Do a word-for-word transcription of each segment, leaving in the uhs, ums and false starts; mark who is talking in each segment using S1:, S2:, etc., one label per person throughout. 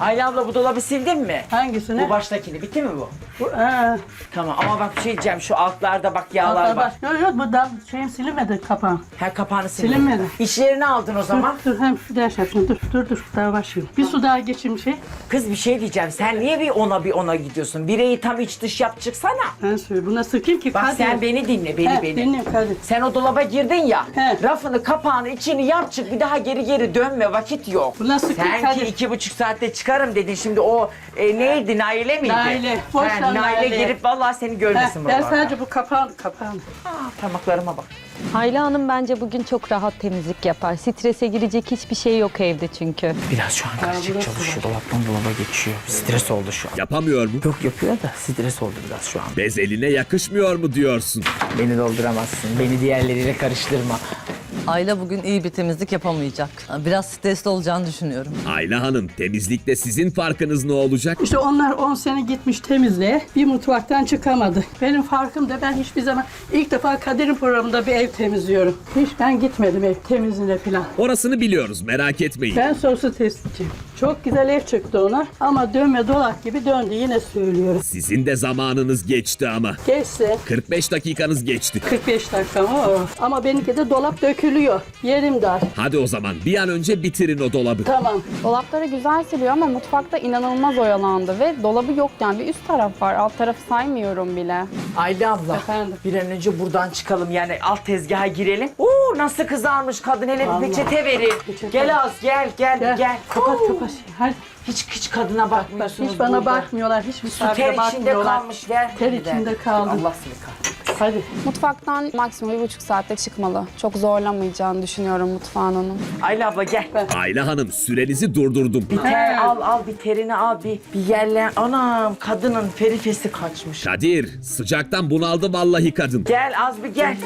S1: Ayla abla bu dolabı sildin mi?
S2: Hangisini?
S1: Bu baştakini. Bitti mi bu?
S2: Bu, ee,
S1: Tamam ama bak bir şey diyeceğim. Şu altlarda bak yağlar var.
S2: Yok yok bu da şeyim silinmedi kapağım.
S1: Her kapağını sildin.
S2: Silinmedi.
S1: İşlerini aldın o zaman.
S2: Dur, dur hem şu ders yapayım. Dur dur dur daha başlayayım. Bir su daha geçeyim şey.
S1: Kız bir şey diyeceğim. Sen niye bir ona bir ona gidiyorsun? Bireyi tam iç dış yap çıksana.
S2: Ben söyleyeyim. Buna sıkayım ki
S1: Bak
S2: Kadir.
S1: sen beni dinle, beni
S2: He,
S1: beni.
S2: dinliyorum Kadir.
S1: Sen o dolaba girdin ya,
S2: He.
S1: rafını, kapağını, içini yap çık, bir daha geri geri dönme, vakit yok.
S2: Bu nasıl
S1: Sen ki
S2: Kadir?
S1: iki buçuk saatte çıkarım dedin, şimdi o e, neydi, Naile miydi?
S2: Naile, boş
S1: He,
S2: ver
S1: Naile
S2: Naile.
S1: girip vallahi seni
S2: Heh,
S1: görmesin
S2: ben
S1: buralarda.
S2: sadece bu kapağını kapağını.
S1: Aa, parmaklarıma bak.
S3: Ayla Hanım bence bugün çok rahat temizlik yapar. Strese girecek hiçbir şey yok evde çünkü.
S1: Biraz şu an karışık
S2: burası
S1: çalışıyor, dolaptan dolaba geçiyor. Stres oldu şu an.
S4: Yapamıyor mu?
S1: Yok yapıyor da stres oldu biraz şu an.
S4: Bez eline yakışmıyor mu diyorsun?
S1: Beni dolduramazsın, beni diğerleriyle karıştırma.
S5: Ayla bugün iyi bir temizlik yapamayacak. Biraz stresli olacağını düşünüyorum.
S4: Ayla Hanım, temizlikte sizin farkınız ne olacak?
S2: İşte onlar on sene gitmiş temizliğe. Bir mutfaktan çıkamadı. Benim farkım da ben hiçbir zaman ilk defa Kadir'in programında bir ev temizliyorum. Hiç ben gitmedim ev temizliğine falan.
S4: Orasını biliyoruz, merak etmeyin.
S2: Ben soslu testçiyim. Çok güzel ev çıktı ona ama dönme dolap gibi döndü yine söylüyorum.
S4: Sizin de zamanınız geçti ama.
S2: Geçse
S4: kırk beş dakikanız geçti.
S2: kırk beş dakika mı o? Ama benimki de dolap dökülüyor. Yerim dar.
S4: Hadi o zaman bir an önce bitirin o dolabı.
S2: Tamam.
S6: Dolapları güzel siliyor ama mutfakta inanılmaz oyalandı ve dolabı yok yani bir üst taraf var. Alt tarafı saymıyorum bile.
S1: Ayla abla,
S2: Efendim?
S1: bir an önce buradan çıkalım yani alt tezgaha girelim. Oo nasıl kızarmış kadın, hele bir
S2: Vallahi.
S1: peçete verin.
S2: Peçete.
S1: Gel az gel gel gel.
S2: Gel. Kapat
S1: Oo.
S2: kapat. Hadi.
S1: Hiç hiç kadına bakmıyorsunuz
S2: Hiç bana
S1: burada.
S2: bakmıyorlar. Hiç
S1: Su ter
S2: misafire
S1: içinde
S2: bakmıyorlar.
S1: kalmış, ver.
S2: Ter
S1: bir de.
S2: içinde kaldı.
S1: Allah seni kahretsin.
S2: Hadi.
S6: Mutfaktan maksimum bir buçuk saatte çıkmalı. Çok zorlamayacağını düşünüyorum mutfağın onun.
S1: Ayla abla gel.
S4: Ayla Hanım, sürenizi durdurdum.
S1: Bir ter al al, bir terini al, bir, bir yerlen. Anam kadının ferifesi kaçmış.
S4: Kadir, sıcaktan bunaldı vallahi kadın.
S1: Gel az bir gel.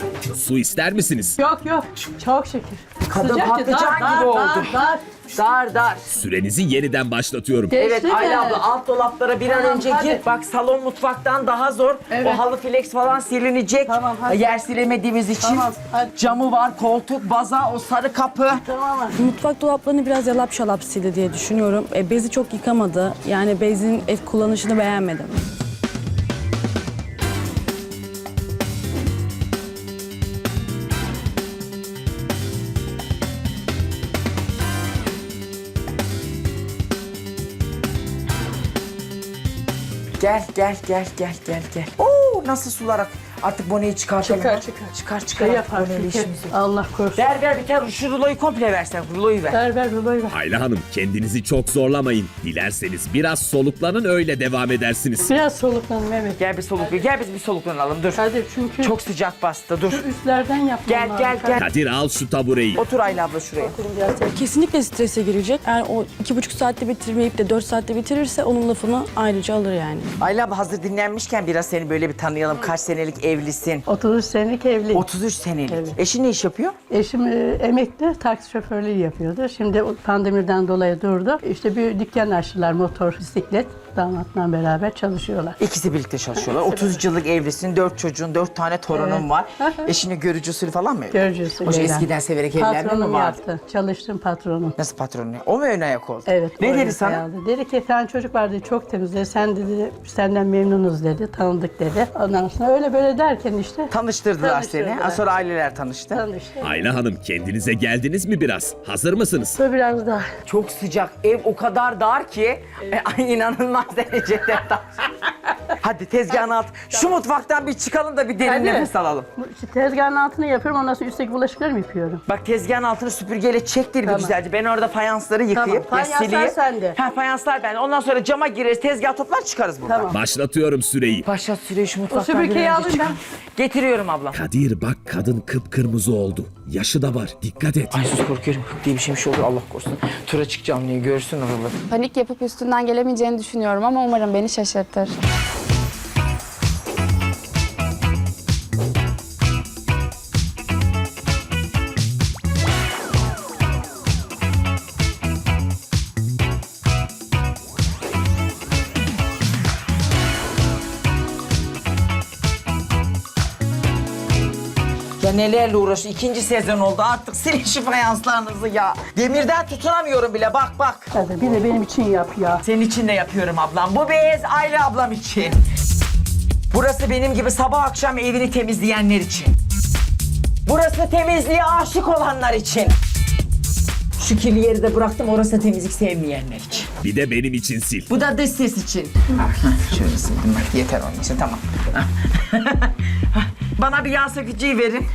S4: Su ister misiniz?
S2: Yok yok. Çok şükür.
S1: Kadın
S2: Sıcak ya,
S1: patlıcan
S2: dar,
S1: gibi
S2: dar,
S1: oldu.
S2: Dar, dar.
S1: Dar dar.
S4: Sürenizi yeniden başlatıyorum.
S2: Geçti
S1: Evet
S2: mi?
S1: Ayla abla alt dolaplara bir an
S2: Tamam,
S1: önce
S2: hadi.
S1: gir. Bak salon mutfaktan daha zor.
S2: Evet.
S1: O halı flex falan silinecek.
S2: Tamam, hadi.
S1: Yer silemediğimiz için.
S2: Tamam, hadi.
S1: Camı var, koltuk, baza, o sarı kapı.
S2: Tamam mı?
S7: Mutfak dolaplarını biraz yalap şalap sildi diye düşünüyorum. E, bezi çok yıkamadı. Yani bezin ev kullanışını beğenmedim.
S1: Gel gel gel gel gel gel. Oo nasıl sular ak. Artık boneyi çıkartalım.
S2: Çıkar,
S1: ha.
S2: çıkar.
S1: Çıkar çıkar.
S2: Şey
S1: artık
S2: yapar.
S1: boneyle
S2: Çünkü
S1: işimiz yok.
S2: Allah korusun.
S1: Ver ver bir tane şu ruloyu komple versen. Ruloyu ver.
S2: Ver ver ruloyu ver.
S4: Ayla Hanım, kendinizi çok zorlamayın. Dilerseniz biraz soluklanın, öyle devam edersiniz.
S2: Biraz soluklanın evet.
S1: Gel bir soluk gel biz bir soluklanalım dur.
S2: Hadi çünkü
S1: Çok sıcak bastı dur.
S2: üstlerden yapmam
S1: Gel
S2: lazım.
S1: gel gel.
S4: Kadir, al şu tabureyi.
S1: Otur Ayla abla şuraya.
S7: Kesinlikle strese girecek. Yani o iki buçuk saatte bitirmeyip de dört saatte bitirirse onun lafını ayrıca alır yani.
S1: Ayla abla hazır dinlenmişken biraz seni böyle bir tanıyalım. Kaç senelik evlisin?
S2: otuz üç senelik evli.
S1: otuz üç senelik.
S2: Evet.
S1: Eşin ne iş yapıyor?
S2: Eşim e, emekli taksi şoförlüğü yapıyordu. Şimdi o pandemiden dolayı durdu. İşte bir dükkan açtılar, motor, bisiklet. Damatla beraber çalışıyorlar.
S1: İkisi birlikte çalışıyorlar. otuz üç yıllık evlisin, dört çocuğun, dört tane torunun
S2: Evet.
S1: var. Eşini görücü usulü falan mı?
S2: Görücüsü.
S1: Hoş
S2: gelen.
S1: eskiden severek evlenme mi
S2: Patronum
S1: vardı?
S2: yaptı. Çalıştım patronum.
S1: Nasıl patronu? O mu ön ayak oldu?
S2: Evet.
S1: Ne
S2: öyle
S1: dedi sana?
S2: sayaldı. Dedi ki tane çocuk vardı çok temizdi. Sen dedi senden memnunuz dedi. Tanıdık dedi. Ondan sonra öyle böyle derken işte
S1: Tanıştırdılar seni.
S2: Tanıştırdılar.
S1: Sonra aileler tanıştı.
S2: tanıştık.
S4: Ayla Hanım, kendinize geldiniz mi biraz? Hazır mısınız?
S2: Bu biraz daha.
S1: Çok sıcak. Ev o kadar dar ki e, ay, inanılmaz derecede dar. Hadi tezgahın alt. Şu mutfaktan bir çıkalım da bir derin
S2: Hadi.
S1: nefes alalım.
S2: Bu işte tezgahın altını yapıyorum. Ondan sonra üstteki bulaşıkları mı yapıyorum?
S1: Bak tezgahın altını süpürgeyle çektir bir
S2: Tamam.
S1: güzelce. Ben orada fayansları yıkayayım.
S2: Tamam,
S1: ya
S2: fayanslar
S1: sileyim.
S2: sende.
S1: Ha fayanslar bende. Ondan sonra cama gireriz, tezgah toplar çıkarız buradan.
S2: Tamam.
S4: Başlatıyorum süreyi.
S1: Başlat süreyi şu mutfaktan
S2: süpürgeyi
S1: bir önce
S2: alayım
S1: çıkar.
S2: ben.
S1: Getiriyorum ablam.
S4: Kadir, bak kadın kıpkırmızı oldu. Yaşı da var, dikkat et.
S1: Ay sus korkuyorum. Hık diye bir şeymiş olur Allah korusun. Tura çıkacağım diye görsün oraları.
S6: Panik yapıp üstünden gelemeyeceğini düşünüyorum ama umarım beni şaşırtır.
S1: Ya nelerle uğraşıyor. İkinci sezon oldu artık silin şu fayanslarınızı ya. Demirden tutunamıyorum bile bak bak.
S2: Hadi bir de benim için yap ya.
S1: Senin için de yapıyorum ablam. Bu bez Ayla ablam için. Burası benim gibi sabah akşam evini temizleyenler için. Burası temizliğe aşık olanlar için. Şu kirli yeri de bıraktım, orası temizlik sevmeyenler için.
S4: Bir de benim için sil.
S1: Bu da dış ses için. Ah, şöyle sildim bak, yeter onun için, tamam. Bana bir yağ sökücüyü verin.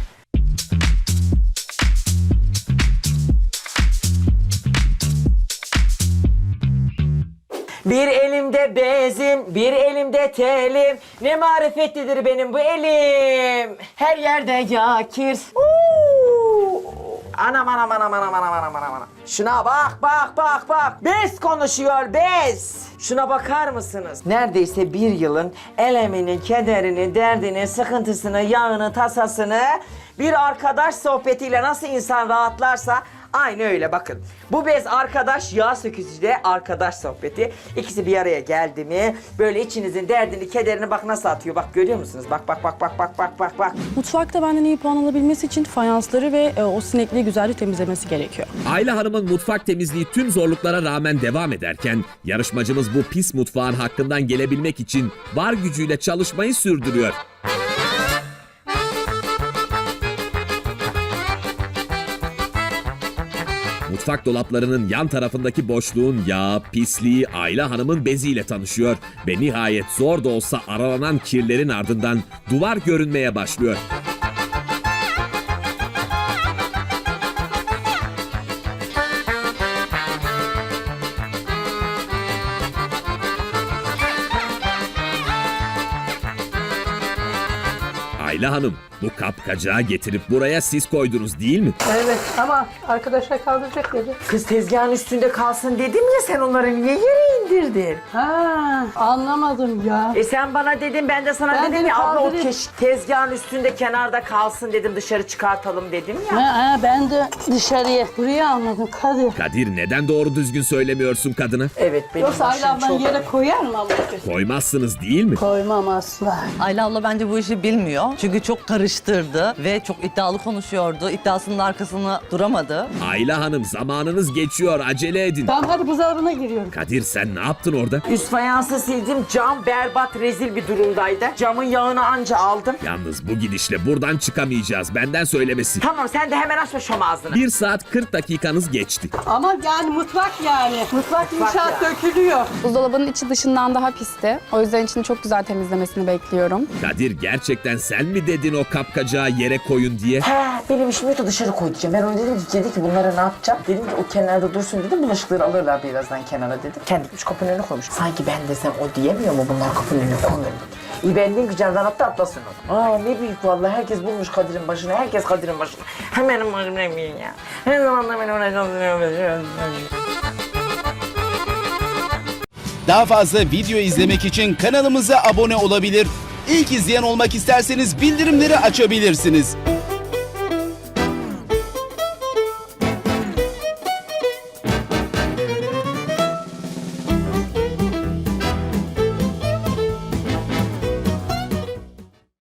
S1: Bir elimde bezim, bir elimde telim. Ne marifetlidir benim bu elim. Her yerde yakir. Uuu. Anam anam anam anam anam anam anam anam. Şuna bak bak bak bak. Bez konuşuyor bez. Şuna bakar mısınız? Neredeyse bir yılın elemini, kederini, derdini, sıkıntısını, yağını, tasasını bir arkadaş sohbetiyle nasıl insan rahatlarsa aynı öyle bakın. Bu bez arkadaş, yağ sökücü de arkadaş sohbeti. İkisi bir araya geldi mi böyle içinizin derdini, kederini bak nasıl atıyor. Bak görüyor musunuz? Bak bak bak bak bak bak bak bak.
S7: Mutfakta benden iyi puan alabilmesi için fayansları ve e, o sinekliği güzelce temizlemesi gerekiyor.
S4: Ayla Hanım'ın mutfak temizliği tüm zorluklara rağmen devam ederken yarışmacımız bu pis mutfağın hakkından gelebilmek için var gücüyle çalışmayı sürdürüyor. Mutfak dolaplarının yan tarafındaki boşluğun yağı, pisliği Ayla Hanım'ın beziyle tanışıyor ve nihayet zor da olsa aralanan kirlerin ardından duvar görünmeye başlıyor. Ayla Hanım, bu kapkacağı getirip buraya siz koydunuz değil mi?
S2: Evet ama arkadaşlar kaldıracak dedi.
S1: Kız tezgahın üstünde kalsın dedim ya, sen onları niye yere indirdin?
S2: Ha, anlamadım ya.
S1: E sen bana dedin, ben de sana
S2: Ben
S1: dedim
S2: seni
S1: ya abla o
S2: kaldırayım.
S1: keş- tezgahın üstünde kenarda kalsın dedim, dışarı çıkartalım dedim ya.
S2: Ha, ha, ben de dışarıya, buraya anladım Kadir.
S4: Kadir neden doğru düzgün söylemiyorsun kadına?
S1: Evet benim
S2: Yoksa
S1: başım
S2: Ayla ablan
S1: çok...
S2: yere koyar mı ablacığım?
S4: Koymazsınız değil mi?
S2: Koymam asla.
S5: Ayla abla bence bu işi bilmiyor. Çünkü çok karıştırdı ve çok iddialı konuşuyordu. İddiasının arkasında duramadı.
S4: Ayla Hanım zamanınız geçiyor, acele edin.
S2: Tamam hadi buzdolabına giriyorum.
S4: Kadir sen ne yaptın orada?
S1: Üst fayansı sildim, cam berbat, rezil bir durumdaydı. Camın yağını anca aldım.
S4: Yalnız bu gidişle buradan çıkamayacağız, benden söylemesi.
S1: Tamam sen de hemen açma şom ağzını.
S4: Bir saat kırk dakikanız geçti.
S2: Ama yani mutfak yani. Mutfak inşaat
S1: ya.
S2: dökülüyor.
S6: Buzdolabının içi dışından daha pisti. O yüzden içini çok güzel temizlemesini bekliyorum.
S4: Kadir gerçekten sen mi dedin o kapkacağı yere koyun diye?
S1: He, benim işim yoktu, dışarı koy diyeceğim. Ben ona dedim ki, dedi ki bunları ne yapacağım? Dedim ki o kenarda dursun dedim, bulaşıkları alırlar birazdan kenara dedim. Kendi gitmiş kapının önüne koymuş. Sanki ben desem o diyemiyor mu bunlar kapının önüne koymuyor dedi. İyi ben dedim ki camdan atla atlasın o. Aa ne büyük vallahi, herkes bulmuş Kadir'in başına, herkes Kadir'in başına. Hemen başım ne bileyim ya. Her zaman da beni uğraşıyorum.
S8: Daha fazla video izlemek için kanalımıza abone olabilir. İlk izleyen olmak isterseniz bildirimleri açabilirsiniz.